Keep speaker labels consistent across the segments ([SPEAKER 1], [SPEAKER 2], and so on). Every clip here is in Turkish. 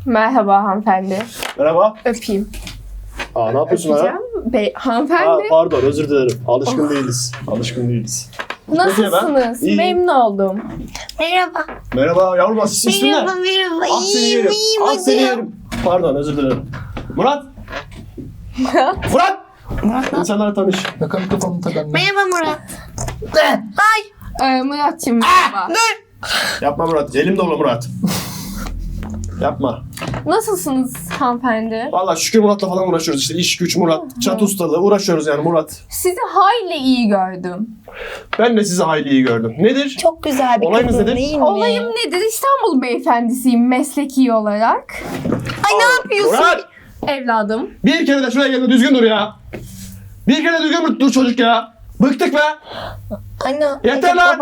[SPEAKER 1] Merhaba hanımefendi.
[SPEAKER 2] Merhaba.
[SPEAKER 1] Öpeyim.
[SPEAKER 2] Ne yapıyorsun ha?
[SPEAKER 1] Öpeceğim. Hanımefendi.
[SPEAKER 2] Pardon, özür dilerim. Alışkın değiliz.
[SPEAKER 1] Nasılsınız?
[SPEAKER 2] İyiyim.
[SPEAKER 1] Memnun oldum.
[SPEAKER 3] Merhaba.
[SPEAKER 2] Merhaba yavrum, ismin ne?
[SPEAKER 3] Merhaba.
[SPEAKER 2] Ah seni
[SPEAKER 3] İyiyim,
[SPEAKER 2] yerim.
[SPEAKER 3] iyiyim.
[SPEAKER 2] Ah seni yerim. Pardon, özür dilerim. Murat. Murat. İnsanlara tanış.
[SPEAKER 4] Bakalım kafamı takalım.
[SPEAKER 3] Merhaba Murat.
[SPEAKER 1] Murat'cığım merhaba.
[SPEAKER 2] Yapma Murat. Elim dolu Murat. Yapma.
[SPEAKER 1] Nasılsınız hanımefendi?
[SPEAKER 2] Vallahi şükür Murat'la falan uğraşıyoruz işte. İş güç Murat. Çat ustalığı uğraşıyoruz yani Murat.
[SPEAKER 1] Sizi hayli iyi gördüm.
[SPEAKER 2] Ben de sizi hayli iyi gördüm. Nedir?
[SPEAKER 3] Çok güzel bir
[SPEAKER 2] Olayınız
[SPEAKER 3] kadın
[SPEAKER 2] nedir?
[SPEAKER 3] değil mi?
[SPEAKER 1] Olayım nedir? İstanbul beyefendisiyim mesleki olarak.
[SPEAKER 3] Ay ne yapıyorsun?
[SPEAKER 2] Murat!
[SPEAKER 1] Evladım.
[SPEAKER 2] Bir kere de şuraya gelme, düzgün dur ya. Bir kere de düzgün dur çocuk ya. Bıktık be.
[SPEAKER 3] Anne.
[SPEAKER 2] Yeter lan.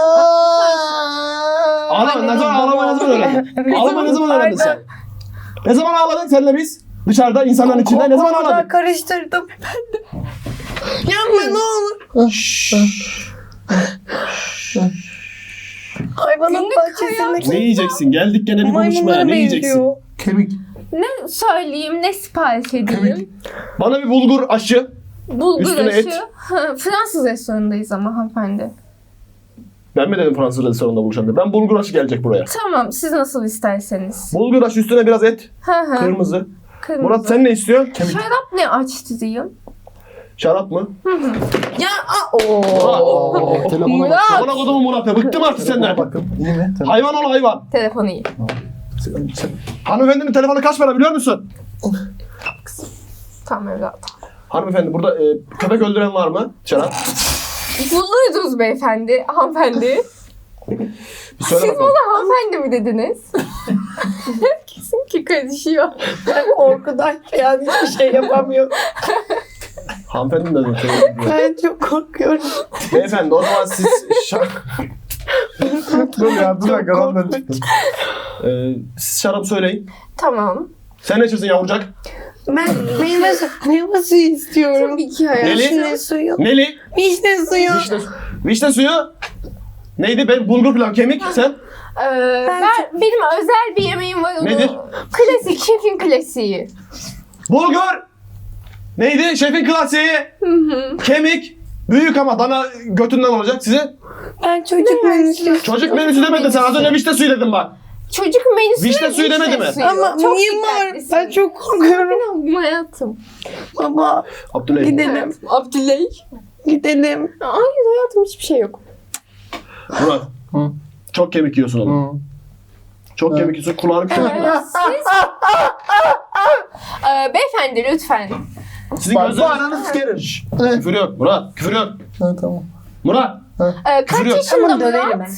[SPEAKER 2] Ağlama, ne zaman öğrendin? Ağlama ne zaman öğrendin sen? Ne zaman ağladın senle biz? Dışarıda insanların içinde ne zaman ağladın?
[SPEAKER 3] Karıştırdım ben de. Yapma ne olur. Hayvanat
[SPEAKER 1] Günlük
[SPEAKER 3] bahçesindeki
[SPEAKER 2] Ne yiyeceksin? Geldik gene bir buluşmaya.
[SPEAKER 3] maymunlara
[SPEAKER 2] Ne yiyeceksin?
[SPEAKER 3] benziyor.
[SPEAKER 4] Kemik.
[SPEAKER 1] Ne söyleyeyim, ne sipariş edeyim?
[SPEAKER 2] Bana bir bulgur aşı.
[SPEAKER 1] Bulgur
[SPEAKER 2] Üstüne
[SPEAKER 1] aşı.
[SPEAKER 2] et.
[SPEAKER 1] Fransız restoranındayız ama hanımefendi.
[SPEAKER 2] Ben mi dedim Fransız restoranında buluşalım diye? Ben bulgur aşı gelecek buraya.
[SPEAKER 1] Tamam, siz nasıl isterseniz.
[SPEAKER 2] Bulgur aşı üstüne biraz et.
[SPEAKER 1] Hı hı.
[SPEAKER 2] Kırmızı.
[SPEAKER 1] Kırmızı.
[SPEAKER 2] Murat sen ne istiyorsun?
[SPEAKER 1] Şarap ne açtı diyeyim?
[SPEAKER 2] Şarap mı?
[SPEAKER 3] Ya
[SPEAKER 2] Murat.
[SPEAKER 4] Telefona
[SPEAKER 1] Murat.
[SPEAKER 4] bak.
[SPEAKER 2] Bana kodumu Murat ya. Bıktım artık senden.
[SPEAKER 4] Bakın. İyi mi? Telefon.
[SPEAKER 2] Hayvan ol hayvan.
[SPEAKER 1] Telefonu iyi.
[SPEAKER 2] Hanımefendinin telefonu kaç para biliyor musun?
[SPEAKER 1] Tamam evladım.
[SPEAKER 2] Hanımefendi burada köpek öldüren var mı? Şarap.
[SPEAKER 1] Bulurdunuz beyefendi, hanımefendi.
[SPEAKER 2] Bir söyle
[SPEAKER 1] Siz
[SPEAKER 2] bakalım.
[SPEAKER 1] bana hanımefendi mi dediniz? Kesin ki karışıyor.
[SPEAKER 3] korkudan yani hiçbir şey yapamıyorum.
[SPEAKER 2] Hanımefendi mi dedim?
[SPEAKER 3] Ben çok korkuyorum.
[SPEAKER 2] Beyefendi o zaman siz
[SPEAKER 4] Dur ya dur dakika ramdan çıktım.
[SPEAKER 2] siz şarap söyleyin.
[SPEAKER 1] Tamam.
[SPEAKER 2] Sen ne içiyorsun yavrucak?
[SPEAKER 3] Ben meyve suyu istiyorum.
[SPEAKER 1] Tabii ki hayatım.
[SPEAKER 2] Neli?
[SPEAKER 3] Vişne suyu.
[SPEAKER 2] Neli?
[SPEAKER 3] Vişne suyu.
[SPEAKER 2] Vişne suyu. Neydi? Ben bulgur pilav kemik. Sen?
[SPEAKER 1] Benim özel bir yemeğim var. Onu
[SPEAKER 2] Nedir?
[SPEAKER 1] Klasik, şefin klasiği.
[SPEAKER 2] Bulgur. Neydi? Şefin klasiği. Kemik. Büyük ama dana götünden olacak size.
[SPEAKER 3] Ben çocuk menüsü.
[SPEAKER 2] Çocuk menüsü demedin sen. Az önce vişne suyu dedin bak.
[SPEAKER 1] Çocuk menüsü.
[SPEAKER 2] Vişne suyu demedi mi?
[SPEAKER 3] Ama
[SPEAKER 1] Çok
[SPEAKER 3] niye var?
[SPEAKER 1] dikkatlisin.
[SPEAKER 3] Ben çok korkuyorum.
[SPEAKER 1] Benim hayatım.
[SPEAKER 3] Baba
[SPEAKER 2] Abdülhamid.
[SPEAKER 3] gidelim.
[SPEAKER 1] Abdüley.
[SPEAKER 3] Gidelim.
[SPEAKER 1] Hayır hayatım hiçbir şey yok.
[SPEAKER 2] Murat.
[SPEAKER 4] Hı.
[SPEAKER 2] Çok kemik yiyorsun oğlum.
[SPEAKER 4] Hı.
[SPEAKER 2] Çok kemik yiyorsun. Kulağını
[SPEAKER 1] Siz... beyefendi lütfen.
[SPEAKER 2] Sizin
[SPEAKER 4] Bak bu
[SPEAKER 2] gözleriniz...
[SPEAKER 4] ananı sikerim.
[SPEAKER 2] Küfür yok Murat. Küfür yok.
[SPEAKER 4] Ha tamam.
[SPEAKER 2] Murat.
[SPEAKER 1] Kaç
[SPEAKER 2] Küfür yok.
[SPEAKER 1] yaşında
[SPEAKER 3] Tamam, döverim
[SPEAKER 1] Murat?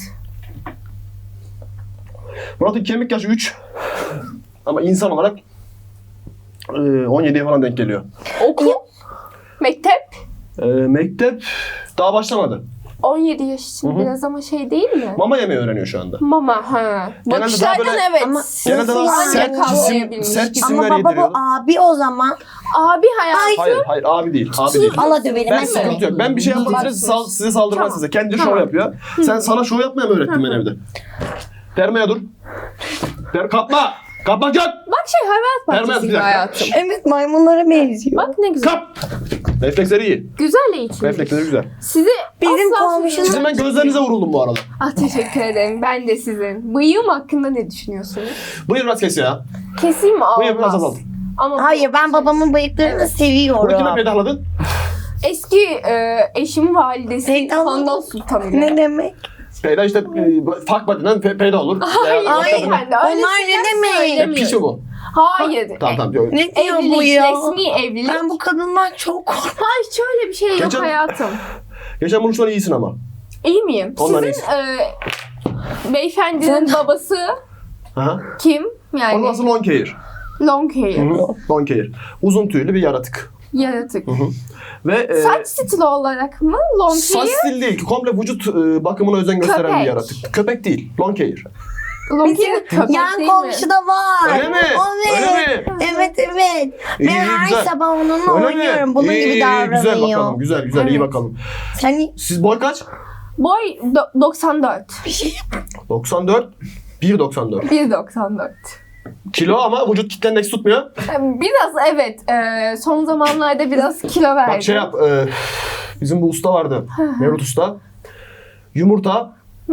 [SPEAKER 2] Murat'ın kemik yaşı 3. Ama insan olarak 17'ye falan denk geliyor.
[SPEAKER 1] Okul. Mektep.
[SPEAKER 2] Mektep daha başlamadı.
[SPEAKER 1] 17 yaş için
[SPEAKER 2] Hı hı.
[SPEAKER 1] biraz ama şey değil mi?
[SPEAKER 2] Mama yemeği öğreniyor şu anda.
[SPEAKER 1] Mama ha.
[SPEAKER 2] Genelde
[SPEAKER 1] Bakışlardan
[SPEAKER 2] daha böyle-
[SPEAKER 1] evet.
[SPEAKER 3] Ama
[SPEAKER 2] Genelde daha
[SPEAKER 3] Nasıl
[SPEAKER 2] sert
[SPEAKER 3] yani?
[SPEAKER 2] cisim, sert
[SPEAKER 3] Ama
[SPEAKER 2] cisimler
[SPEAKER 3] baba
[SPEAKER 2] yediriyordu.
[SPEAKER 3] bu abi o zaman.
[SPEAKER 1] Abi hayatım.
[SPEAKER 2] Hayır abi değil. Abi değil.
[SPEAKER 3] Allah döverim.
[SPEAKER 2] Ben
[SPEAKER 3] Ben
[SPEAKER 2] sıkıntı yok. Ben bir şey yapmak size saldırmaz
[SPEAKER 1] Tamam.
[SPEAKER 2] size. Kendi
[SPEAKER 1] Tamam.
[SPEAKER 2] şov yapıyor. Sen sana şov yapmaya mı öğrettin ben evde? Dermeye dur. Kapma. Kapmak yok.
[SPEAKER 1] Bak şey hayvanat
[SPEAKER 2] Vermez bir
[SPEAKER 1] bahçesi gibi
[SPEAKER 2] dakika.
[SPEAKER 1] hayatım.
[SPEAKER 3] Evet maymunlara benziyor.
[SPEAKER 1] Bak ne güzel.
[SPEAKER 2] Kap. Refleksleri iyi.
[SPEAKER 1] Güzel eğitim.
[SPEAKER 2] Refleksleri güzel.
[SPEAKER 1] Sizi
[SPEAKER 3] Bizim
[SPEAKER 1] asla
[SPEAKER 3] komşunun-
[SPEAKER 2] Sizin ben gözlerinize vuruldum bu arada.
[SPEAKER 1] Ah teşekkür ederim. Ben de sizin. Bıyığım hakkında ne düşünüyorsunuz?
[SPEAKER 2] Buyur biraz kes ya.
[SPEAKER 1] Keseyim mi?
[SPEAKER 2] Buyur biraz
[SPEAKER 1] Olmaz.
[SPEAKER 2] azalt.
[SPEAKER 1] Ama
[SPEAKER 3] Hayır ben babamın bıyıklarını
[SPEAKER 1] Evet.
[SPEAKER 2] Bunu kime
[SPEAKER 3] seviyorum.
[SPEAKER 2] pedahladın?
[SPEAKER 1] eski eşimin validesi
[SPEAKER 3] Peygamber-
[SPEAKER 1] Handan Sultan ile.
[SPEAKER 3] Ne demek?
[SPEAKER 2] Peyda işte fuck body'den peyda olur.
[SPEAKER 1] Hayır
[SPEAKER 2] Veya-
[SPEAKER 1] beyefendi. öyle
[SPEAKER 3] Onlar ne
[SPEAKER 1] şeyler
[SPEAKER 3] demek?
[SPEAKER 1] söylemiyorum.
[SPEAKER 2] Piç mi bu?
[SPEAKER 1] Hayır.
[SPEAKER 2] Tamam tamam. Yok.
[SPEAKER 3] Ne diyor bu
[SPEAKER 1] Evlilik,
[SPEAKER 3] ya?
[SPEAKER 1] resmi evlilik.
[SPEAKER 3] Ben bu kadından çok korkuyorum.
[SPEAKER 1] Hayır şöyle bir şey yok
[SPEAKER 2] Geçen-
[SPEAKER 1] hayatım.
[SPEAKER 2] Geçen buluşmadan iyisin ama.
[SPEAKER 1] İyi miyim?
[SPEAKER 2] Ondan
[SPEAKER 1] Sizin beyefendinin babası
[SPEAKER 2] Aha.
[SPEAKER 1] kim? Yani
[SPEAKER 2] Onun adı long hair.
[SPEAKER 1] long hair.
[SPEAKER 2] Long hair. Uzun tüylü bir yaratık.
[SPEAKER 1] Yaratık.
[SPEAKER 2] Ve
[SPEAKER 1] Saç stili olarak mı? Long
[SPEAKER 2] saç
[SPEAKER 1] hair?
[SPEAKER 2] stil değil. Komple vücut bakımına özen gösteren
[SPEAKER 1] Köpek.
[SPEAKER 2] bir yaratık. Köpek değil. Long hair.
[SPEAKER 1] Long hair köpek
[SPEAKER 3] Yan
[SPEAKER 1] değil mi?
[SPEAKER 3] komşuda var.
[SPEAKER 2] Öyle mi?
[SPEAKER 3] Evet.
[SPEAKER 2] Öyle mi?
[SPEAKER 3] Evet evet.
[SPEAKER 2] İyi,
[SPEAKER 3] Ben
[SPEAKER 2] iyi,
[SPEAKER 3] her
[SPEAKER 2] güzel.
[SPEAKER 3] sabah onunla
[SPEAKER 2] Öyle
[SPEAKER 3] oynuyorum.
[SPEAKER 2] mi?
[SPEAKER 3] Bunun
[SPEAKER 2] İyi,
[SPEAKER 3] gibi
[SPEAKER 2] iyi,
[SPEAKER 3] davranıyor.
[SPEAKER 2] Güzel bakalım. Güzel güzel iyi
[SPEAKER 1] Evet.
[SPEAKER 2] bakalım.
[SPEAKER 3] Sen
[SPEAKER 2] Siz boy kaç?
[SPEAKER 1] Boy 94.
[SPEAKER 3] bir şey
[SPEAKER 2] 94. 1.94.
[SPEAKER 1] 1.94.
[SPEAKER 2] Kilo ama vücut kitle endeksi tutmuyor.
[SPEAKER 1] Biraz evet. Son zamanlarda biraz kilo verdim.
[SPEAKER 2] Bak şey yap. Bizim bu usta vardı. Mevlüt Usta. Yumurta.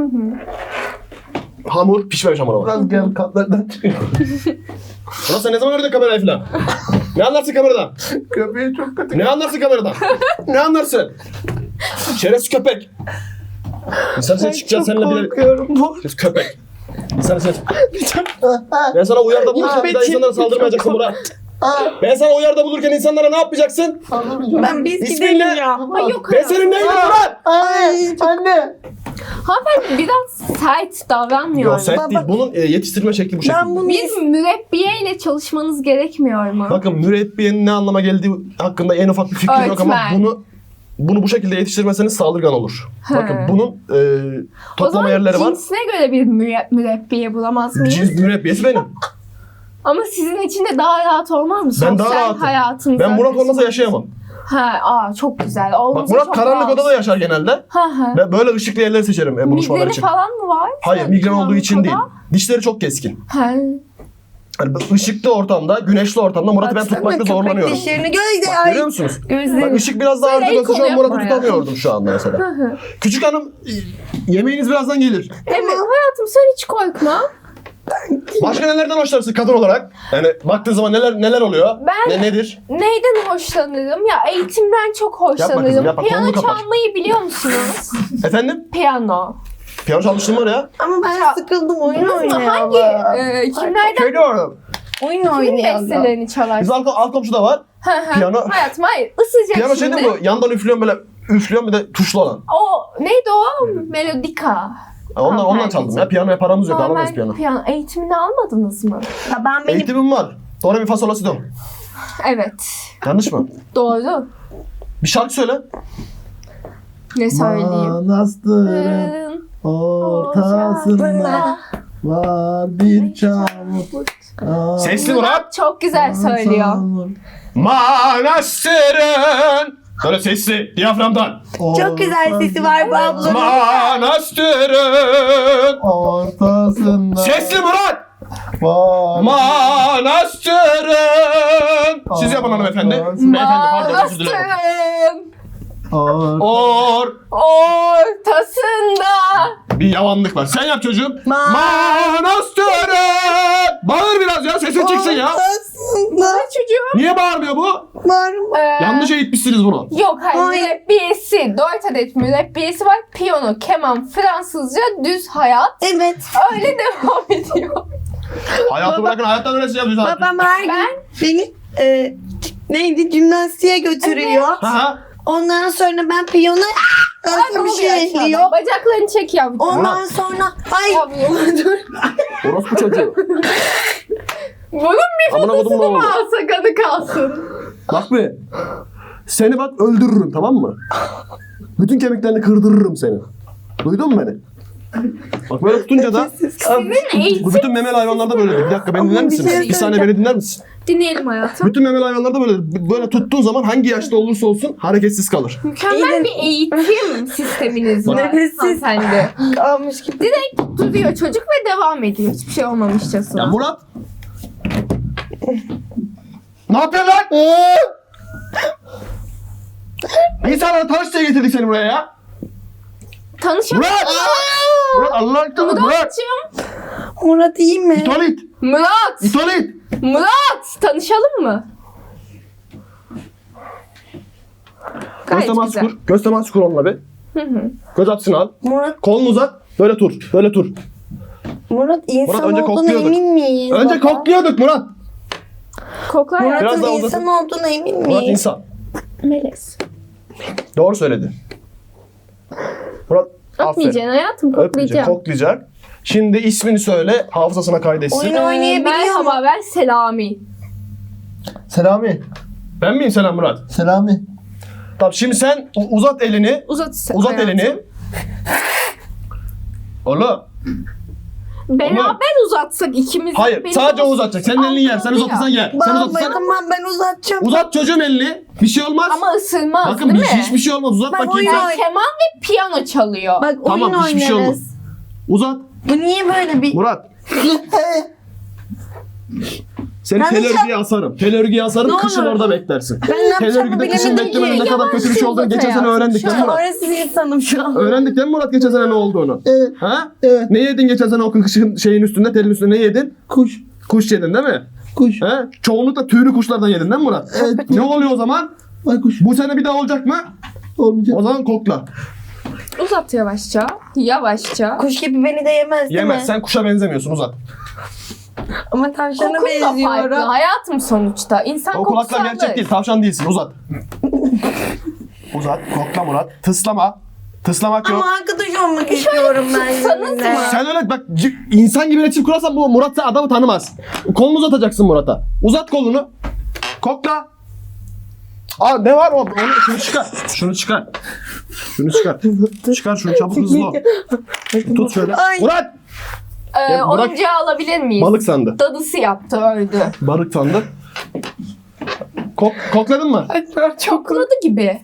[SPEAKER 2] Hamur. Pişmemiş hamur ama.
[SPEAKER 4] Biraz gel katlardan çıkıyor.
[SPEAKER 2] Ulan sen ne zaman gördün kamerayı falan? Ne anlarsın kameradan?
[SPEAKER 4] Köpeği çok kötü.
[SPEAKER 2] Ne anlarsın kameradan? Ne anlarsın? Şerefsiz köpek. İnsan sen çıkacağız seninle bile...
[SPEAKER 3] korkuyorum bu.
[SPEAKER 2] Şerefsiz köpek. İnsan sen... Ben sana uyarda bulurken bir daha insanlara saldırmayacaksın Murat. Ben sana uyarda bulurken insanlara ne yapmayacaksın?
[SPEAKER 3] Ben biz
[SPEAKER 2] İsmin
[SPEAKER 3] gidelim
[SPEAKER 2] ne?
[SPEAKER 3] ya.
[SPEAKER 1] Ay yok
[SPEAKER 2] Ben senin neyim Murat?
[SPEAKER 3] Ay
[SPEAKER 4] Anne.
[SPEAKER 1] Hanımefendi biraz sert davranmıyor.
[SPEAKER 2] Yok sert değil. Bunun yetiştirme şekli bu şekilde.
[SPEAKER 3] ben bunu
[SPEAKER 1] Bir mürebbiyeyle çalışmanız gerekmiyor mu?
[SPEAKER 2] Bakın mürebbiyenin ne anlama geldiği hakkında en ufak bir fikrim yok ama
[SPEAKER 1] Öğretmen.
[SPEAKER 2] bunu bu şekilde yetiştirmeseniz saldırgan olur.
[SPEAKER 1] He.
[SPEAKER 2] Bakın bunun
[SPEAKER 1] O
[SPEAKER 2] toplama
[SPEAKER 1] zaman
[SPEAKER 2] yerleri var.
[SPEAKER 1] cinsine göre bir mürebbiye bulamaz mıyız?
[SPEAKER 2] Cins mürebbiyesi benim.
[SPEAKER 1] Ama sizin için de daha rahat olmaz mı?
[SPEAKER 2] Ben daha
[SPEAKER 1] Sosyal
[SPEAKER 2] rahatım.
[SPEAKER 1] hayatınıza
[SPEAKER 2] Ben Murat olmasa
[SPEAKER 1] karışmak.
[SPEAKER 2] yaşayamam.
[SPEAKER 1] Çok güzel. Olması
[SPEAKER 2] Bak Murat
[SPEAKER 1] çok
[SPEAKER 2] karanlık
[SPEAKER 1] rahat.
[SPEAKER 2] odada yaşar genelde. Ben böyle ışıklı yerleri seçerim buluşmalar
[SPEAKER 1] Migreni
[SPEAKER 2] için.
[SPEAKER 1] falan mı var?
[SPEAKER 2] Hayır migren olduğu için
[SPEAKER 1] Karanlık
[SPEAKER 2] değil.
[SPEAKER 1] oda?
[SPEAKER 2] Dişleri çok keskin.
[SPEAKER 1] He.
[SPEAKER 2] Hani ışıklı ortamda, güneşli ortamda Murat'ı ben
[SPEAKER 3] baksana
[SPEAKER 2] tutmakta
[SPEAKER 3] köpek
[SPEAKER 2] zorlanıyorum.
[SPEAKER 3] dişlerini gözde.
[SPEAKER 2] Bak,
[SPEAKER 3] Ay
[SPEAKER 2] görüyor musunuz? Bak
[SPEAKER 3] gözlerim.
[SPEAKER 2] ışık biraz daha
[SPEAKER 1] Böyle
[SPEAKER 2] artık olsa şu an
[SPEAKER 1] el
[SPEAKER 2] Murat'ı
[SPEAKER 1] kolu
[SPEAKER 2] tutamıyordum şu anda mesela. Küçük hanım yemeğiniz birazdan gelir.
[SPEAKER 1] Evet hayatım sen hiç korkma.
[SPEAKER 2] Başka nelerden hoşlanırsın kadın olarak? Yani baktığın zaman neler oluyor?
[SPEAKER 1] Ben-
[SPEAKER 2] Nedir?
[SPEAKER 1] Neyden hoşlanırım? Ya eğitimden çok hoşlanırım.
[SPEAKER 2] kızım, yapma.
[SPEAKER 1] Piyano
[SPEAKER 2] Kolunu kapat.
[SPEAKER 1] çalmayı biliyor musunuz?
[SPEAKER 2] Efendim?
[SPEAKER 1] Piyano.
[SPEAKER 2] Piyano çalıştığım var ya.
[SPEAKER 3] Ama ben sıkıldım oyun
[SPEAKER 1] Hangi
[SPEAKER 3] oynayalım.
[SPEAKER 1] kimlerden
[SPEAKER 2] Köyde orada.
[SPEAKER 3] Oyun
[SPEAKER 1] kimin
[SPEAKER 3] oynayalım.
[SPEAKER 1] bestelerini çalarsın?
[SPEAKER 2] Bizim alt komşuda var. Piyano.
[SPEAKER 1] Hayatım hayır ısıcak
[SPEAKER 2] Piyano şey
[SPEAKER 1] şimdi.
[SPEAKER 2] değil mi bu? Yandan üflüyorum böyle üflüyorum bir de tuşlu olan.
[SPEAKER 1] O neydi o? Melodika.
[SPEAKER 2] Ondan çaldım ya. Piyanoya paramız yok.
[SPEAKER 1] Normal
[SPEAKER 2] Alamayız piyano.
[SPEAKER 1] eğitimini almadınız mı?
[SPEAKER 3] Ya ben benim
[SPEAKER 2] Eğitimim var. Do re mi fa sol la si do.
[SPEAKER 1] Evet.
[SPEAKER 2] Yanlış mı?
[SPEAKER 1] Doğru.
[SPEAKER 2] Bir şarkı söyle.
[SPEAKER 1] Ne söyleyeyim?
[SPEAKER 4] Manastırın ortasında var bir çamur.
[SPEAKER 2] Sesli Murat.
[SPEAKER 1] Çok güzel söylüyor.
[SPEAKER 2] Manastırın. Böyle sesli. Diyaframdan.
[SPEAKER 3] çok güzel sesi var bu ablanın.
[SPEAKER 2] Manastırın.
[SPEAKER 4] Ortasında
[SPEAKER 2] Sesli Murat.
[SPEAKER 4] var.
[SPEAKER 2] Manastırın. Siz yapın hanımefendi. Beyefendi pardon özür dilerim.
[SPEAKER 1] Manastırın ortasında.
[SPEAKER 2] Bir yavanlık var. Sen yap çocuğum.
[SPEAKER 3] Ma-
[SPEAKER 2] Manastırın. Bağır biraz ya sesin çıksın ya.
[SPEAKER 3] Aslında
[SPEAKER 1] Çocuğum.
[SPEAKER 2] Niye bağırmıyor bu?
[SPEAKER 3] var mı?
[SPEAKER 2] Yanlış eğitmişsiniz bunu.
[SPEAKER 1] Yok hayır
[SPEAKER 3] Hayır.
[SPEAKER 1] mürebbiyesi. 4 adet mürebbiyesi var. Piyano, keman, Fransızca, düz hayat.
[SPEAKER 3] Evet.
[SPEAKER 1] Öyle devam ediyor.
[SPEAKER 2] Hayatı bırakın hayattan öğreteceğim.
[SPEAKER 3] Babam her gün beni neydi jimnastiğe götürüyor.
[SPEAKER 2] Ha.
[SPEAKER 3] Ondan sonra ben piyano nasıl bir şey ekliyor.
[SPEAKER 1] Bacaklarını çek yavrum.
[SPEAKER 3] Ondan sonra ay
[SPEAKER 1] Yavrum dur.
[SPEAKER 2] Orospu çocuğu.
[SPEAKER 1] Bunun bir
[SPEAKER 2] Amına kodum ne
[SPEAKER 1] fotosunu mu
[SPEAKER 2] oldu?
[SPEAKER 1] alsak adı kalsın?
[SPEAKER 2] Bak be. Seni bak öldürürüm tamam mı? Bütün kemiklerini kırdırırım seni. Duydun mu beni? Bak böyle tutunca da
[SPEAKER 1] Sizin
[SPEAKER 2] bu
[SPEAKER 1] eğitim
[SPEAKER 2] bütün memeli hayvanlarda böyledir. Bir dakika beni dinler
[SPEAKER 3] Ama bir
[SPEAKER 2] misin?
[SPEAKER 3] şey
[SPEAKER 2] Bir saniye beni dinler misin?
[SPEAKER 1] dinleyelim hayatım.
[SPEAKER 2] Bütün memeli hayvanlarda böyledir. Böyle tuttuğun zaman hangi yaşta olursa olsun hareketsiz kalır.
[SPEAKER 1] Mükemmel bir eğitim sisteminiz var.
[SPEAKER 3] Nefessiz.
[SPEAKER 1] Hanımefendi.
[SPEAKER 3] kalmış gibi.
[SPEAKER 1] Direkt duruyor çocuk ve devam ediyor. Hiçbir şey olmamışçasına.
[SPEAKER 2] Ya Murat. Ne yapıyorsun lan? İnsanlara tanış diye getirdik seni buraya ya.
[SPEAKER 1] Tanışalım.
[SPEAKER 2] Murat! Murat Allah aşkına Murat!
[SPEAKER 1] Murat'cığım.
[SPEAKER 3] Murat iyi mi?
[SPEAKER 2] İtolit!
[SPEAKER 1] Murat.
[SPEAKER 2] İtolit!
[SPEAKER 1] Murat. Tanışalım mı?
[SPEAKER 2] Göz
[SPEAKER 1] Gayet
[SPEAKER 2] teması
[SPEAKER 1] güzel.
[SPEAKER 2] kur. Göz teması kur onunla bir.
[SPEAKER 1] Hı.
[SPEAKER 2] Göz açısını al.
[SPEAKER 3] Murat
[SPEAKER 2] Kolunu uzat. Böyle tur. Böyle tur.
[SPEAKER 3] insan
[SPEAKER 2] Murat, önce
[SPEAKER 3] olduğuna
[SPEAKER 2] kokluyorduk.
[SPEAKER 3] emin miyiz?
[SPEAKER 2] Önce
[SPEAKER 3] baba?
[SPEAKER 2] kokluyorduk Murat.
[SPEAKER 1] Koklar ya.
[SPEAKER 2] Biraz
[SPEAKER 3] Murat'ın
[SPEAKER 2] daha
[SPEAKER 3] insan olduğuna emin
[SPEAKER 2] Murat
[SPEAKER 3] miyiz?
[SPEAKER 2] insan.
[SPEAKER 1] Melez.
[SPEAKER 2] Doğru söyledi. Murat aferin.
[SPEAKER 1] Öpmeyeceksin hayatım.
[SPEAKER 2] Öpmeyecek,
[SPEAKER 1] Koklayacağım.
[SPEAKER 2] koklayacak. Şimdi ismini söyle, hafızasına kaydetsin.
[SPEAKER 3] Oyun oynayabiliyor mu?
[SPEAKER 1] Merhaba ben Selami.
[SPEAKER 4] Selami.
[SPEAKER 2] Ben miyim Selam Murat?
[SPEAKER 4] Selami.
[SPEAKER 2] Tamam şimdi sen uzat elini.
[SPEAKER 1] Uzat
[SPEAKER 2] Uzat elini. Oğlum.
[SPEAKER 1] Beraber uzatsak ikimiz.
[SPEAKER 2] Hayır,
[SPEAKER 1] Benim
[SPEAKER 2] sadece o
[SPEAKER 1] olsun.
[SPEAKER 2] uzatacak. Senin elini yer. Sen
[SPEAKER 1] Altı
[SPEAKER 2] uzatırsan yer. Sen
[SPEAKER 3] Baba
[SPEAKER 2] uzatırsan.
[SPEAKER 3] tamam ben uzatacağım.
[SPEAKER 2] Uzat çocuğum elini. Bir şey olmaz.
[SPEAKER 1] Ama ısırmaz
[SPEAKER 2] Bakın
[SPEAKER 1] değil mi?
[SPEAKER 2] hiçbir şey olmaz. Uzat
[SPEAKER 3] Bak,
[SPEAKER 2] bakayım
[SPEAKER 3] oyun
[SPEAKER 2] sen.
[SPEAKER 3] oyn-
[SPEAKER 1] Keman ve piyano çalıyor.
[SPEAKER 3] Bak
[SPEAKER 2] Tamam
[SPEAKER 3] oyun
[SPEAKER 2] hiçbir şey olmaz.
[SPEAKER 3] oynarız.
[SPEAKER 2] Uzat.
[SPEAKER 3] Bu niye böyle bir...
[SPEAKER 2] Murat. Seni
[SPEAKER 3] Ben
[SPEAKER 2] tel örgüye asarım. Tel örgüye asarım,
[SPEAKER 3] Ne
[SPEAKER 2] kışın
[SPEAKER 3] olur.
[SPEAKER 2] orada beklersin.
[SPEAKER 3] Ben ne
[SPEAKER 2] Tel
[SPEAKER 3] yapacağımı
[SPEAKER 2] örgüde kışın
[SPEAKER 3] bilemedim
[SPEAKER 2] beklemenin ne
[SPEAKER 3] ki.
[SPEAKER 2] kadar kötü bir şey olduğunu
[SPEAKER 1] Yavaş
[SPEAKER 2] geçen sene
[SPEAKER 1] yavaş
[SPEAKER 2] öğrendik değil mi Murat?
[SPEAKER 3] Orası insanım şu an.
[SPEAKER 2] Öğrendik değil mi Murat geçen sene ne olduğunu?
[SPEAKER 4] Evet.
[SPEAKER 2] Ha?
[SPEAKER 4] Evet.
[SPEAKER 2] Ne yedin geçen sene o kışın şeyin üstünde, telin üstünde ne yedin?
[SPEAKER 4] Kuş.
[SPEAKER 2] Kuş yedin değil mi?
[SPEAKER 4] Kuş.
[SPEAKER 2] Ha? Çoğunlukla tüylü kuşlardan yedin değil mi Murat?
[SPEAKER 4] Evet.
[SPEAKER 2] Ne oluyor o zaman?
[SPEAKER 4] Baykuş.
[SPEAKER 2] Bu sene bir daha olacak mı?
[SPEAKER 4] Olmayacak.
[SPEAKER 2] O zaman kokla.
[SPEAKER 1] Uzat yavaşça. Yavaşça.
[SPEAKER 3] Kuş gibi beni de yemez değil
[SPEAKER 2] Yemez.
[SPEAKER 3] mi?
[SPEAKER 2] Sen kuşa benzemiyorsun, uzat.
[SPEAKER 3] Ama tavşana
[SPEAKER 1] Kokun da farklı.
[SPEAKER 3] benziyorum.
[SPEAKER 1] Hayatım sonuçta. İnsan
[SPEAKER 2] O
[SPEAKER 1] kokusu
[SPEAKER 2] kulaklar gerçek
[SPEAKER 1] alır.
[SPEAKER 2] değil. Tavşan değilsin. Uzat. Uzat. Kokla Murat. Tıslama. Tıslamak yok.
[SPEAKER 3] Ama arkadaş olmak istiyorum ben
[SPEAKER 1] tutsanız
[SPEAKER 3] seninle.
[SPEAKER 1] mı?
[SPEAKER 2] Sen öyle bak insan gibi iletişim kurarsan bu Murat sen adamı tanımaz. Kolunu uzatacaksın Murat'a. Uzat kolunu. Kokla. Aa ne var o? Şunu çıkar. Şunu çıkar. Şunu çıkar. Çıkar şunu çabuk hızlı ol. Tut şöyle.
[SPEAKER 3] Ay.
[SPEAKER 2] Murat! Ya bırak.
[SPEAKER 1] Oyuncağı alabilir miyiz?
[SPEAKER 2] Balık sandı.
[SPEAKER 1] Dadısı yaptı, öldü.
[SPEAKER 2] Balık sandı. Kokladın mı?
[SPEAKER 1] Çokladı gibi.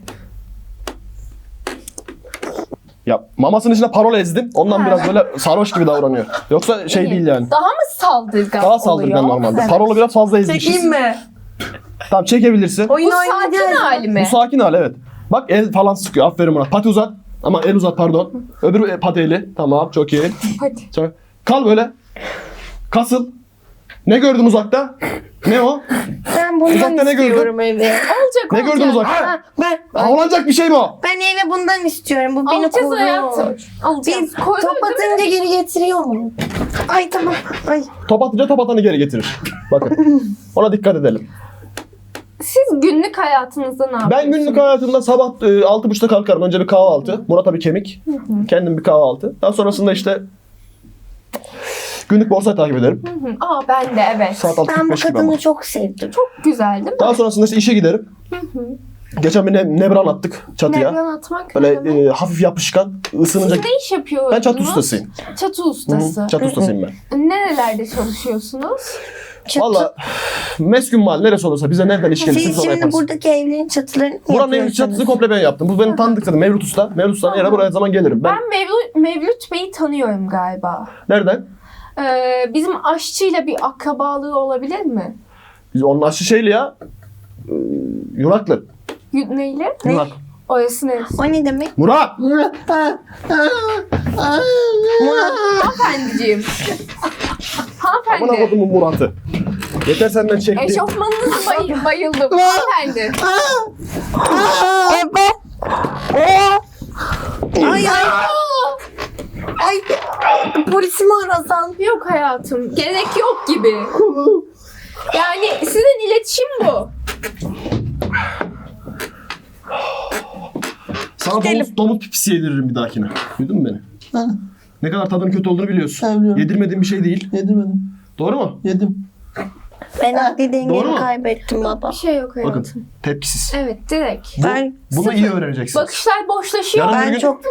[SPEAKER 2] Ya mamasının içine parol ezdim. Ondan
[SPEAKER 1] Ha.
[SPEAKER 2] biraz böyle sarhoş gibi davranıyor. Yoksa şey
[SPEAKER 1] İyi.
[SPEAKER 2] değil yani.
[SPEAKER 1] Daha mı saldırgan
[SPEAKER 2] Daha saldırgan
[SPEAKER 1] oluyor?
[SPEAKER 2] normalde.
[SPEAKER 1] Evet.
[SPEAKER 2] Parolu biraz fazla ezmişiz.
[SPEAKER 3] Çekeyim mi?
[SPEAKER 2] Tamam çekebilirsin.
[SPEAKER 3] Oyun
[SPEAKER 1] Bu sakin
[SPEAKER 3] oynayacağız.
[SPEAKER 1] hali mi?
[SPEAKER 2] Bu sakin hal evet. Bak el falan sıkıyor. Aferin Murat. Pati uzat. Ama el uzat pardon. Öbür pati eli. Tamam çok iyi.
[SPEAKER 1] Hadi.
[SPEAKER 2] Çok- Kal böyle. Kasıl. Ne gördün uzakta? Ne o?
[SPEAKER 3] Ben bundan
[SPEAKER 2] Uzakta ne gördün?
[SPEAKER 3] istiyorum evi.
[SPEAKER 1] Olacak
[SPEAKER 2] Ne
[SPEAKER 1] olacak.
[SPEAKER 2] gördün uzakta?
[SPEAKER 3] Ha, ben
[SPEAKER 2] Avlanacak bir şey mi o?
[SPEAKER 3] ben eve bundan istiyorum. Bu beni
[SPEAKER 1] Alacağız
[SPEAKER 3] koruyor.
[SPEAKER 1] hayatım. Alacağız.
[SPEAKER 3] Biz
[SPEAKER 1] Koydun
[SPEAKER 3] top
[SPEAKER 1] değil mi?
[SPEAKER 3] atınca geri getiriyor mu? Ay tamam. Ay.
[SPEAKER 2] Top atınca top atanı geri getirir. Bakın. Ona dikkat edelim.
[SPEAKER 1] Siz günlük hayatınızda ne yapıyorsunuz?
[SPEAKER 2] Ben günlük hayatımda sabah 6.30'da kalkarım. Önce bir kahvaltı. Murat'a bir kemik. Kendim bir kahvaltı. Daha sonrasında işte günlük borsayı takip ederim.
[SPEAKER 1] Hı. Aa ben de evet.
[SPEAKER 2] Saat
[SPEAKER 3] Ben bu
[SPEAKER 2] 6.45 gibi ama.
[SPEAKER 3] kadını çok sevdim.
[SPEAKER 1] Çok güzel değil mi?
[SPEAKER 2] Daha sonrasında işte işe giderim. Geçen bir nebran attık çatıya.
[SPEAKER 1] Nebran atmak
[SPEAKER 2] Böyle
[SPEAKER 1] ne demek?
[SPEAKER 2] hafif yapışkan, ısınınca...
[SPEAKER 1] Siz ne iş yapıyorsunuz?
[SPEAKER 2] Ben çatı ustasıyım.
[SPEAKER 1] Çatı
[SPEAKER 2] Hı,
[SPEAKER 1] ustası.
[SPEAKER 2] çatı ustasıyım ben.
[SPEAKER 1] Nerelerde çalışıyorsunuz?
[SPEAKER 2] Valla meskun mal neresi olursa bize nereden iş gelirse biz
[SPEAKER 3] Siz
[SPEAKER 2] onu
[SPEAKER 3] şimdi
[SPEAKER 2] yaparız.
[SPEAKER 3] buradaki evlerin çatılarını mı
[SPEAKER 2] Buranın evin
[SPEAKER 3] yapıyorsunuz?
[SPEAKER 2] çatısını komple ben yaptım. Bu benim tanıdık zaten. Mevlüt Usta. Mevlüt Usta'nın yere buraya zaman gelirim. Ben
[SPEAKER 1] Ben Mevlüt Bey'i tanıyorum galiba.
[SPEAKER 2] nereden?
[SPEAKER 1] Bizim aşçıyla bir akrabalığı olabilir mi?
[SPEAKER 2] Biz onun aşı şeyli ya. Yuraklı.
[SPEAKER 1] Neyle?
[SPEAKER 2] Yurak.
[SPEAKER 1] Orası neresi?
[SPEAKER 3] O ne demek?
[SPEAKER 2] Murat!
[SPEAKER 1] Hanımefendiciğim.
[SPEAKER 2] Aman
[SPEAKER 1] Hanımefendi.
[SPEAKER 2] kodumun Murat'ı. Yeter senden çekti.
[SPEAKER 1] Eşofmanınız bayıldım. Hanımefendi.
[SPEAKER 3] Ay ay. Ay. Polisi mi arasan?
[SPEAKER 1] Yok hayatım. Gerek yok gibi. Yani sizin iletişim bu.
[SPEAKER 2] Sana domuz pipisi yediririm bir dahakine. Duydun mu beni?
[SPEAKER 4] Ha,
[SPEAKER 2] Ne kadar tadının kötü olduğunu biliyorsun.
[SPEAKER 4] Evet, biliyorum.
[SPEAKER 2] Yedirmediğin bir şey değil.
[SPEAKER 4] yedim.
[SPEAKER 2] Doğru mu?
[SPEAKER 4] Yedim.
[SPEAKER 3] Ben akli
[SPEAKER 2] Doğru
[SPEAKER 3] dengemi
[SPEAKER 2] mu?
[SPEAKER 3] kaybettim baba.
[SPEAKER 1] Bir şey yok hayatım.
[SPEAKER 2] Bakın tepkisiz.
[SPEAKER 1] Evet direkt.
[SPEAKER 3] Ben
[SPEAKER 2] Bunu iyi öğreneceksiniz.
[SPEAKER 1] Bakışlar boşlaşıyor.
[SPEAKER 2] Yarın bir
[SPEAKER 3] ben
[SPEAKER 2] gün-
[SPEAKER 3] çok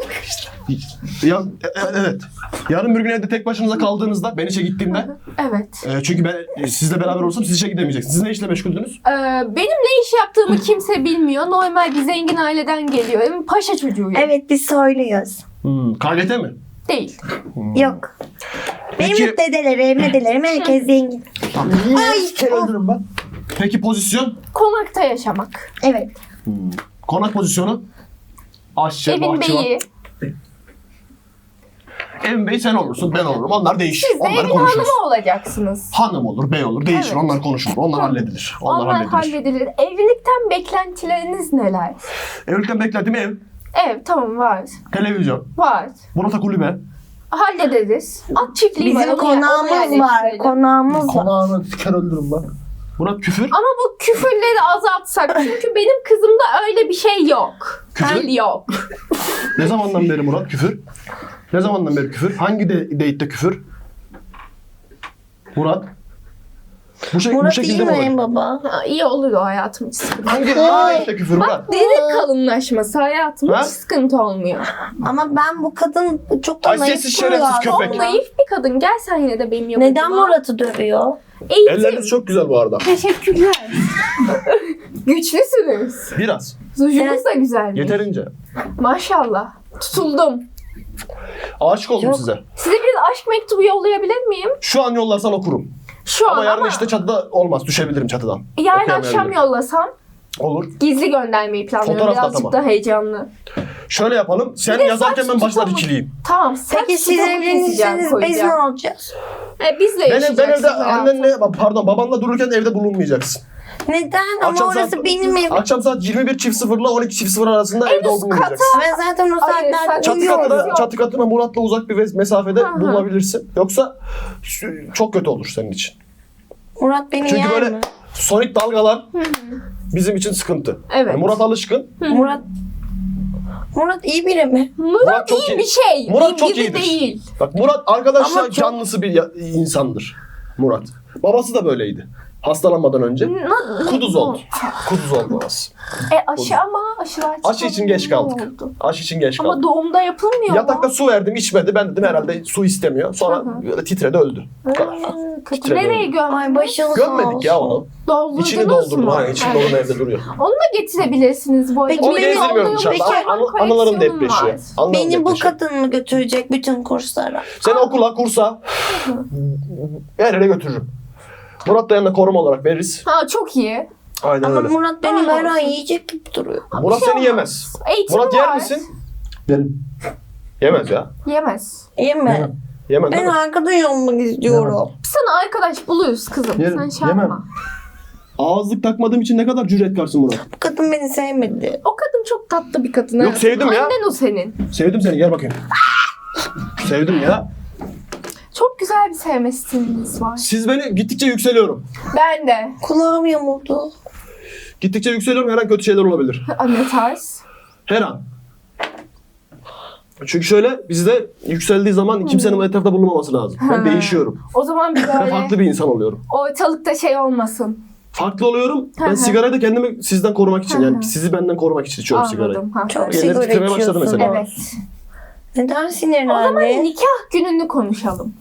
[SPEAKER 2] Evet. Yarın bir gün evde tek başınıza kaldığınızda, ben işe gittiğimde,
[SPEAKER 1] Evet.
[SPEAKER 2] çünkü ben sizle beraber olursam siz işe gidemeyeceksiniz. Siz ne işle meşguldünüz?
[SPEAKER 1] Benim ne iş yaptığımı kimse bilmiyor. Normal bir zengin aileden geliyorum. Paşa çocuğuyum.
[SPEAKER 3] evet biz soyluyuz.
[SPEAKER 2] KGT mi?
[SPEAKER 1] Değil.
[SPEAKER 3] Yok. Benim
[SPEAKER 2] Peki-
[SPEAKER 3] dedelerim herkes zengin.
[SPEAKER 4] Ay. Kere öldürürüm ben.
[SPEAKER 2] Peki pozisyon?
[SPEAKER 1] Konakta yaşamak.
[SPEAKER 3] Evet.
[SPEAKER 2] Konak pozisyonu? Aşçı,
[SPEAKER 1] Evin
[SPEAKER 2] bahçıvan.
[SPEAKER 1] beyi.
[SPEAKER 2] Evin beyi sen olursun, ben olurum. Onlar değişir.
[SPEAKER 1] Siz de
[SPEAKER 2] Onları
[SPEAKER 1] evin
[SPEAKER 2] konuşuruz.
[SPEAKER 1] hanımı olacaksınız.
[SPEAKER 2] Hanım olur, bey olur. Değişir.
[SPEAKER 1] Evet.
[SPEAKER 2] Onlar konuşulur. Onlar halledilir. Onlar halledilir.
[SPEAKER 1] halledilir. Evlilikten beklentileriniz neler?
[SPEAKER 2] Evlilikten beklentim ev,
[SPEAKER 1] Evet tamam var.
[SPEAKER 2] televizyon,
[SPEAKER 1] Var.
[SPEAKER 2] Murat'a kulübe.
[SPEAKER 1] Hallederiz. At çiftliği var.
[SPEAKER 3] Bizim
[SPEAKER 1] onu
[SPEAKER 3] konağımız var.
[SPEAKER 1] yerleştirelim.
[SPEAKER 3] Konağımız var.
[SPEAKER 4] Konağını kere öldürürüm ben.
[SPEAKER 2] Murat küfür.
[SPEAKER 1] Ama bu küfürleri azaltsak. Çünkü benim kızımda öyle bir şey yok.
[SPEAKER 2] Küfür?
[SPEAKER 1] Yok.
[SPEAKER 2] Ne zamandan beri Murat küfür? Ne zamandan beri küfür? Hangi date'de küfür? Murat. Bu
[SPEAKER 3] Murat iyi
[SPEAKER 2] şekilde mi
[SPEAKER 3] mi
[SPEAKER 2] olur?
[SPEAKER 3] baba?
[SPEAKER 1] Ha, iyi olur o hayatım, hiç sıkıntı.
[SPEAKER 2] Hangi date'de küfür Murat?
[SPEAKER 1] Deri kalınlaşması hayatım,
[SPEAKER 2] Ha?
[SPEAKER 1] hiç sıkıntı olmuyor.
[SPEAKER 3] Ama ben bu kadın çok da naif
[SPEAKER 2] Haysiyetsiz, şerefsiz
[SPEAKER 3] duruyor.
[SPEAKER 2] köpek.
[SPEAKER 1] Naif bir kadın, gel sen yine de benim yanıma.
[SPEAKER 3] Neden Murat'ı dövüyor?
[SPEAKER 1] Eğitim.
[SPEAKER 2] Elleriniz çok güzel bu arada.
[SPEAKER 1] Teşekkürler. Güçlüsünüz.
[SPEAKER 2] Biraz.
[SPEAKER 1] Zujunuz da güzelmiş.
[SPEAKER 2] Yeterince.
[SPEAKER 1] Maşallah. Tutuldum.
[SPEAKER 2] Aşık oldum
[SPEAKER 3] Yok.
[SPEAKER 2] size.
[SPEAKER 1] Size bir aşk mektubu yollayabilir miyim?
[SPEAKER 2] Şu an yollarsan okurum.
[SPEAKER 1] Şu
[SPEAKER 2] Ama
[SPEAKER 1] an
[SPEAKER 2] yarın
[SPEAKER 1] ama
[SPEAKER 2] işte çatıda olmaz. Düşebilirim çatıdan.
[SPEAKER 1] yarın
[SPEAKER 2] Okuyamayabilirim.
[SPEAKER 1] akşam yollasam
[SPEAKER 2] Olur.
[SPEAKER 1] gizli göndermeyi planlıyorum.
[SPEAKER 2] Fotoğraf da
[SPEAKER 1] Birazcık
[SPEAKER 2] tamam.
[SPEAKER 1] da heyecanlı.
[SPEAKER 2] Şöyle yapalım. Sen
[SPEAKER 1] Bir de
[SPEAKER 2] yazarken
[SPEAKER 1] saç
[SPEAKER 2] ben başına
[SPEAKER 1] tutamam.
[SPEAKER 2] dikileyim.
[SPEAKER 1] Tamam. Saç
[SPEAKER 3] Peki siz
[SPEAKER 1] tutamı keseceğim,
[SPEAKER 3] evlenirseniz biz ne
[SPEAKER 1] koyacağım.
[SPEAKER 3] olacağız?
[SPEAKER 1] Biz de
[SPEAKER 2] Ben
[SPEAKER 1] yaşayacaksın
[SPEAKER 2] evde
[SPEAKER 1] hayatım.
[SPEAKER 2] annenle, pardon babanla dururken evde bulunmayacaksın.
[SPEAKER 3] Neden? Ama
[SPEAKER 2] Akşam
[SPEAKER 3] orası
[SPEAKER 2] saat-
[SPEAKER 3] benim evim.
[SPEAKER 2] Akşam saat 21.00 ile 12.00 arasında evde
[SPEAKER 1] üst
[SPEAKER 2] bulunmayacaksın.
[SPEAKER 3] Ben zaten o
[SPEAKER 1] Hayır,
[SPEAKER 3] saatlerde
[SPEAKER 1] sen-
[SPEAKER 3] uyuyorum.
[SPEAKER 2] Çatı katına Murat'la uzak bir mesafede
[SPEAKER 1] Hı hı.
[SPEAKER 2] bulunabilirsin. Yoksa çok kötü olur senin için.
[SPEAKER 3] Murat beni
[SPEAKER 2] Çünkü
[SPEAKER 3] yer
[SPEAKER 2] böyle
[SPEAKER 3] mi?
[SPEAKER 2] sonik dalgalar bizim için sıkıntı.
[SPEAKER 1] Evet.
[SPEAKER 2] Yani Murat alışkın.
[SPEAKER 3] Murat iyi biri mi?
[SPEAKER 1] Murat
[SPEAKER 2] çok
[SPEAKER 1] iyi
[SPEAKER 2] iyi.
[SPEAKER 1] bir şey.
[SPEAKER 2] Murat
[SPEAKER 1] İyi
[SPEAKER 2] çok
[SPEAKER 1] biri
[SPEAKER 2] iyidir.
[SPEAKER 1] değil.
[SPEAKER 2] Bak Murat arkadaşlar
[SPEAKER 3] Ama çok-
[SPEAKER 2] canlısı bir insandır. Murat. Babası da böyleydi. Hastalanmadan önce. Kuduz oldu. Kuduz oldu babası.
[SPEAKER 1] Aşı ama aşılar
[SPEAKER 2] Aşı için geç kaldık.
[SPEAKER 1] oldu.
[SPEAKER 2] Aşı için geç
[SPEAKER 1] Ama
[SPEAKER 2] kaldık.
[SPEAKER 1] doğumda yapılmıyor
[SPEAKER 2] Yatakta
[SPEAKER 1] mu?
[SPEAKER 2] su verdim içmedi. Ben dedim herhalde su istemiyor. Sonra
[SPEAKER 1] Hı
[SPEAKER 2] böyle titredi öldü. Bu kadar.
[SPEAKER 1] Kötü.
[SPEAKER 2] Titredi
[SPEAKER 1] Nereye
[SPEAKER 2] öldü.
[SPEAKER 1] gömmüş?
[SPEAKER 3] Ay başın sağ
[SPEAKER 2] Gömmedik ya onu.
[SPEAKER 1] Doldurdunuz
[SPEAKER 2] İçini
[SPEAKER 1] mu?
[SPEAKER 2] doldurdum. Hayır, içini
[SPEAKER 1] Evet.
[SPEAKER 2] doldurdum evde duruyor.
[SPEAKER 1] Onu da getirebilirsiniz bu arada.
[SPEAKER 3] Peki
[SPEAKER 2] Onu
[SPEAKER 3] beni
[SPEAKER 2] gezdirmiyorum
[SPEAKER 1] olduğum
[SPEAKER 2] dışarıda.
[SPEAKER 1] bir hayvan
[SPEAKER 2] Anılarım
[SPEAKER 1] koleksiyonum
[SPEAKER 2] depreşiyor.
[SPEAKER 1] var.
[SPEAKER 2] Anılarım
[SPEAKER 3] Beni bu
[SPEAKER 2] depreşiyor.
[SPEAKER 3] kadın mı götürecek bütün kurslara?
[SPEAKER 2] Seni okula, kursa her yere götürürüm. Murat da yanına koruma olarak veririz.
[SPEAKER 1] Ha çok iyi.
[SPEAKER 2] Aynen
[SPEAKER 3] Ama
[SPEAKER 2] öyle.
[SPEAKER 3] Murat beni
[SPEAKER 1] Tamam.
[SPEAKER 3] her ay yiyecek gibi duruyor.
[SPEAKER 2] Murat
[SPEAKER 1] Bir şey
[SPEAKER 2] seni
[SPEAKER 1] olmaz.
[SPEAKER 2] yemez.
[SPEAKER 1] Eğitimi
[SPEAKER 2] Murat
[SPEAKER 1] var.
[SPEAKER 2] yer misin?
[SPEAKER 4] Benim.
[SPEAKER 2] Yemez ya.
[SPEAKER 1] Yemez.
[SPEAKER 3] Yeme.
[SPEAKER 2] Yemez
[SPEAKER 3] Ben
[SPEAKER 2] değil mi?
[SPEAKER 3] arkadaş olmak istiyorum.
[SPEAKER 1] Sana arkadaş buluruz kızım.
[SPEAKER 4] Yerim,
[SPEAKER 1] Sen şey
[SPEAKER 4] yemem.
[SPEAKER 1] yapma.
[SPEAKER 2] Ağızlık takmadığım için ne kadar cüretkarsın Murat.
[SPEAKER 3] Bu kadın beni sevmedi.
[SPEAKER 1] O kadın çok tatlı bir kadın.
[SPEAKER 2] Yok,
[SPEAKER 1] hayatım.
[SPEAKER 2] sevdim ya.
[SPEAKER 1] Annen o senin.
[SPEAKER 2] Sevdim seni gel bakayım. Sevdim ya.
[SPEAKER 1] Çok güzel bir sevme stiliniz var.
[SPEAKER 2] Siz beni gittikçe yükseliyorum.
[SPEAKER 1] Ben de.
[SPEAKER 3] Kulağım yamuldu.
[SPEAKER 2] Gittikçe yükseliyorum her an kötü şeyler olabilir.
[SPEAKER 1] Ne tarz?
[SPEAKER 2] Her an. Çünkü şöyle bizde yükseldiği zaman kimsenin etrafta bulunmaması lazım. Ben
[SPEAKER 1] Ha.
[SPEAKER 2] değişiyorum.
[SPEAKER 1] O zaman bir
[SPEAKER 2] Ben
[SPEAKER 1] böyle
[SPEAKER 2] farklı bir insan oluyorum.
[SPEAKER 1] ortalıkta şey olmasın.
[SPEAKER 2] Farklı oluyorum.
[SPEAKER 1] Hı
[SPEAKER 2] Ben
[SPEAKER 1] hı.
[SPEAKER 2] sigarayı da kendimi sizden korumak için
[SPEAKER 1] Hı
[SPEAKER 2] yani
[SPEAKER 1] hı.
[SPEAKER 2] sizi benden korumak için içiyorum sigarayı.
[SPEAKER 1] Anladım. Ha.
[SPEAKER 3] Çok
[SPEAKER 2] Elleri
[SPEAKER 3] sigara
[SPEAKER 2] titremeye başladı
[SPEAKER 3] içiyorsun.
[SPEAKER 2] mesela.
[SPEAKER 1] Evet.
[SPEAKER 3] Neden
[SPEAKER 1] O
[SPEAKER 3] sinirlendi?
[SPEAKER 1] zaman nikah gününü konuşalım.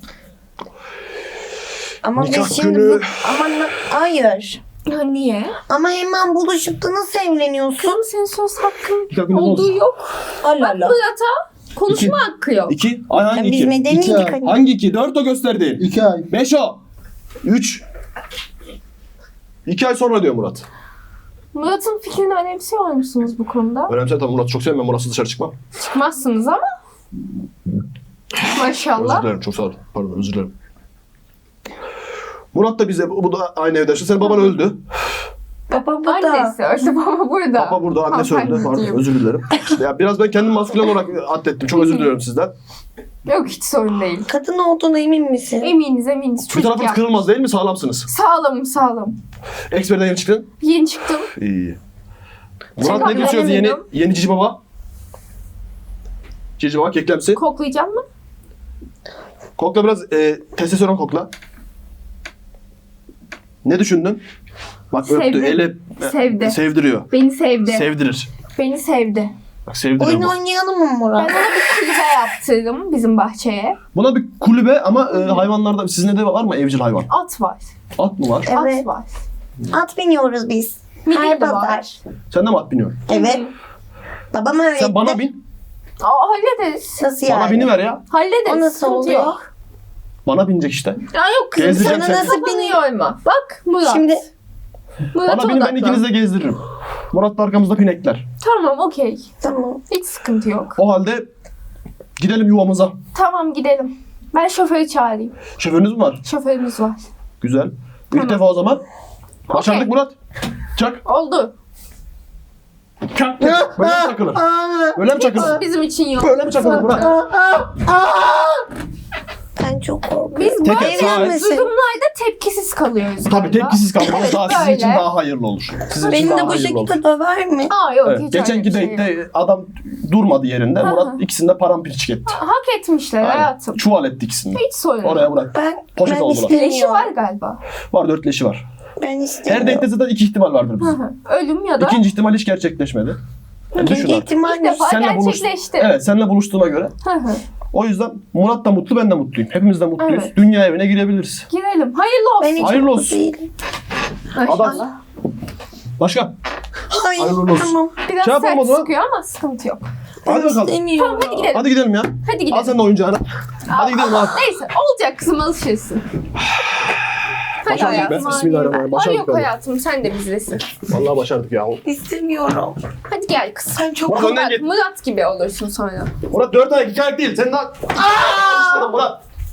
[SPEAKER 3] Ama
[SPEAKER 2] Nikah
[SPEAKER 3] biz şimdi
[SPEAKER 2] günü-
[SPEAKER 3] hayır.
[SPEAKER 1] Ya niye?
[SPEAKER 3] Ama hemen buluşup da nasıl evleniyorsun?
[SPEAKER 1] Kızım senin söz hakkın
[SPEAKER 2] Nikah günü ne
[SPEAKER 1] olduğu
[SPEAKER 2] olacak?
[SPEAKER 1] yok.
[SPEAKER 3] Allah
[SPEAKER 1] Bak
[SPEAKER 3] Allah.
[SPEAKER 1] Murat'a konuşma hakkı yok.
[SPEAKER 2] 2. Ay hangi
[SPEAKER 3] Ya biz
[SPEAKER 2] 2?
[SPEAKER 3] medeni
[SPEAKER 4] İki
[SPEAKER 3] idik
[SPEAKER 4] ay.
[SPEAKER 3] hani.
[SPEAKER 2] Hangi 2? 4 o gösterdiğin.
[SPEAKER 4] 2 ay.
[SPEAKER 2] 5 o. 3. 2 ay sonra diyor Murat.
[SPEAKER 1] Murat'ın fikrini önemsiyor musunuz bu konuda?
[SPEAKER 2] Önemli tabii Murat'ı çok sevmem. Ben Murat'sız dışarı çıkmam.
[SPEAKER 1] Çıkmazsınız ama.
[SPEAKER 2] Özür
[SPEAKER 1] Maşallah.
[SPEAKER 2] dilerim çok sağ ol. Pardon özür dilerim. Murat da bize bu da aynı evde yaşıyor. Senin baban öldü.
[SPEAKER 3] Baba bu da.
[SPEAKER 1] Annesi öldü, baba burada.
[SPEAKER 2] Baba burada, annesi öldü.
[SPEAKER 1] Hanımefendi
[SPEAKER 2] Pardon
[SPEAKER 1] diyeyim.
[SPEAKER 2] özür dilerim. Ya biraz ben kendim maskülen olarak atlettim. Çok özür diliyorum sizden.
[SPEAKER 1] Yok hiç sorun değil.
[SPEAKER 3] Kadın olduğuna emin misin?
[SPEAKER 1] Eminiz.
[SPEAKER 2] Bir
[SPEAKER 1] Çocuk
[SPEAKER 2] tarafınız
[SPEAKER 1] yap.
[SPEAKER 2] kırılmaz değil mi? Sağlamsınız.
[SPEAKER 1] Sağlam.
[SPEAKER 2] Eksperden yeni çıktın.
[SPEAKER 1] Yeni çıktım.
[SPEAKER 2] İyi. Murat
[SPEAKER 1] Çok
[SPEAKER 2] ne diyorsunuz yeni
[SPEAKER 1] memnunum.
[SPEAKER 2] yeni Cici Baba? Cici Baba keklemsi.
[SPEAKER 1] Koklayacak mı?
[SPEAKER 2] Kokla biraz testosteron kokla. Ne düşündün? Bak öptü,
[SPEAKER 1] Sevdi.
[SPEAKER 2] eli
[SPEAKER 1] Sevdi.
[SPEAKER 2] sevdiriyor.
[SPEAKER 1] Beni sevdi.
[SPEAKER 2] Sevdirir.
[SPEAKER 1] Beni sevdi.
[SPEAKER 2] Bak sevdiriyor
[SPEAKER 3] Oyun
[SPEAKER 2] bu.
[SPEAKER 3] oynayalım mı
[SPEAKER 1] Ben
[SPEAKER 3] Murat?
[SPEAKER 1] ona bir kulübe yaptırdım bizim bahçeye.
[SPEAKER 2] Buna bir kulübe ama hayvanlarda sizin de var mı evcil hayvan?
[SPEAKER 1] At var.
[SPEAKER 2] At mı var?
[SPEAKER 3] Evet.
[SPEAKER 1] At var.
[SPEAKER 3] At biniyoruz biz.
[SPEAKER 1] Midye
[SPEAKER 3] Her
[SPEAKER 1] de var.
[SPEAKER 3] pazar.
[SPEAKER 2] Sen de mi at biniyorsun?
[SPEAKER 3] Evet. Babam öğretti.
[SPEAKER 2] Sen bana bin.
[SPEAKER 1] Hallederiz.
[SPEAKER 3] Nasıl yani?
[SPEAKER 2] Bana biniver ya.
[SPEAKER 1] Hallederiz.
[SPEAKER 3] O nasıl
[SPEAKER 1] Sıkıntı
[SPEAKER 3] oluyor?
[SPEAKER 1] yok.
[SPEAKER 2] Bana binecek işte.
[SPEAKER 1] Ya yok kızım
[SPEAKER 2] Gezdireceğim
[SPEAKER 1] sana
[SPEAKER 2] seni.
[SPEAKER 1] nasıl biniyor? Bak Murat.
[SPEAKER 3] Şimdi
[SPEAKER 1] Murat'a
[SPEAKER 2] Bana binin ben
[SPEAKER 1] odaklan.
[SPEAKER 2] ikinizi de gezdiririm. Murat da arkamızda pinekler.
[SPEAKER 1] Tamam okey.
[SPEAKER 3] tamam.
[SPEAKER 1] Hiç sıkıntı yok.
[SPEAKER 2] O halde gidelim yuvamıza.
[SPEAKER 1] Tamam gidelim. Ben şoförü çağırayım.
[SPEAKER 2] Şoförünüz mü var?
[SPEAKER 1] Şoförümüz var.
[SPEAKER 2] Güzel.
[SPEAKER 1] Tamam.
[SPEAKER 2] İlk defa o zaman. Başardık
[SPEAKER 1] Okey.
[SPEAKER 2] Murat. Çak.
[SPEAKER 1] Oldu.
[SPEAKER 2] Çak. Böyle mi çakılır? Böyle mi çakılır?
[SPEAKER 1] Bizim için yok.
[SPEAKER 2] Böyle mi çakılır Murat?
[SPEAKER 3] Ben çok korkuyorum.
[SPEAKER 1] Biz
[SPEAKER 2] Teker,
[SPEAKER 1] böyle
[SPEAKER 2] sağ el.
[SPEAKER 1] durumlarda tepkisiz kalıyoruz.
[SPEAKER 2] Tabii
[SPEAKER 1] galiba.
[SPEAKER 2] tepkisiz kalmanız daha sizin
[SPEAKER 1] Böyle.
[SPEAKER 2] için daha hayırlı olur. Sizin için
[SPEAKER 3] Beni
[SPEAKER 2] daha
[SPEAKER 3] de bu
[SPEAKER 2] hayırlı olur.
[SPEAKER 3] şekilde döver mi?
[SPEAKER 1] Aa yok
[SPEAKER 2] Evet.
[SPEAKER 1] hiç öyle
[SPEAKER 2] Geçenki
[SPEAKER 1] bir şey yok.
[SPEAKER 2] date'de adam durmadı yerinde.
[SPEAKER 1] Hı hı.
[SPEAKER 2] Murat ikisini de paramparçık etti.
[SPEAKER 1] Hak etmişler
[SPEAKER 2] Aynen.
[SPEAKER 1] hayatım.
[SPEAKER 2] Çuval etti ikisini de.
[SPEAKER 1] Hiç sorun yok.
[SPEAKER 2] Oraya bırak. Poşet
[SPEAKER 3] Ben
[SPEAKER 2] oldular.
[SPEAKER 3] istemiyorum.
[SPEAKER 1] Leşi var galiba.
[SPEAKER 2] Var 4 leşi var.
[SPEAKER 3] Ben
[SPEAKER 2] Her
[SPEAKER 3] istemiyorum.
[SPEAKER 2] date'de zaten 2 ihtimal vardır
[SPEAKER 1] Hı
[SPEAKER 2] bizim.
[SPEAKER 1] hı. Ölüm ya da
[SPEAKER 2] İkinci ihtimal hiç gerçekleşmedi. Yani düşün
[SPEAKER 3] İkinci
[SPEAKER 2] artık.
[SPEAKER 3] ihtimal
[SPEAKER 1] ilk defa
[SPEAKER 2] Senle
[SPEAKER 1] gerçekleşti.
[SPEAKER 2] Evet seninle buluştuğuma göre.
[SPEAKER 1] Hı hı.
[SPEAKER 2] O yüzden Murat da mutlu ben de mutluyum. Hepimiz de mutluyuz.
[SPEAKER 1] Evet.
[SPEAKER 2] Dünya evine girebiliriz.
[SPEAKER 1] Girelim. Hayırlı olsun.
[SPEAKER 3] Ben hiç
[SPEAKER 2] Hayırlı
[SPEAKER 3] mutlu
[SPEAKER 2] olsun.
[SPEAKER 3] değilim.
[SPEAKER 1] Maşallah.
[SPEAKER 2] Başka?
[SPEAKER 3] Hayır.
[SPEAKER 2] Hayırlı olsun.
[SPEAKER 3] Tamam.
[SPEAKER 1] Biraz
[SPEAKER 2] Şey yapalım o
[SPEAKER 1] sert
[SPEAKER 2] zaman.
[SPEAKER 1] sıkıyor ama sıkıntı yok.
[SPEAKER 2] Hadi bakalım.
[SPEAKER 3] İstemiyorum.
[SPEAKER 1] Tamam hadi gidelim.
[SPEAKER 2] Hadi gidelim ya.
[SPEAKER 1] Hadi
[SPEAKER 2] Al
[SPEAKER 1] gidelim.
[SPEAKER 2] sen de oyuncağını. Hadi gidelim abi.
[SPEAKER 1] Neyse olacak kızım alışırsın. Hadi
[SPEAKER 2] Başardık be.
[SPEAKER 1] hayatım.
[SPEAKER 2] Bismillahirrahmanirrahim.
[SPEAKER 1] Ay
[SPEAKER 2] Başardık
[SPEAKER 1] yok
[SPEAKER 2] be.
[SPEAKER 1] hayatım sen de bizdesin.
[SPEAKER 2] Vallahi başardık ya.
[SPEAKER 3] İstemiyorum.
[SPEAKER 1] Hadi gel kız.
[SPEAKER 3] Sen çok
[SPEAKER 2] Murat önden
[SPEAKER 1] Murat,
[SPEAKER 2] git.
[SPEAKER 1] Murat gibi olursun sonra.
[SPEAKER 2] Murat 4 ayak 2 ayak değil. Sen daha... Aaa! Murat.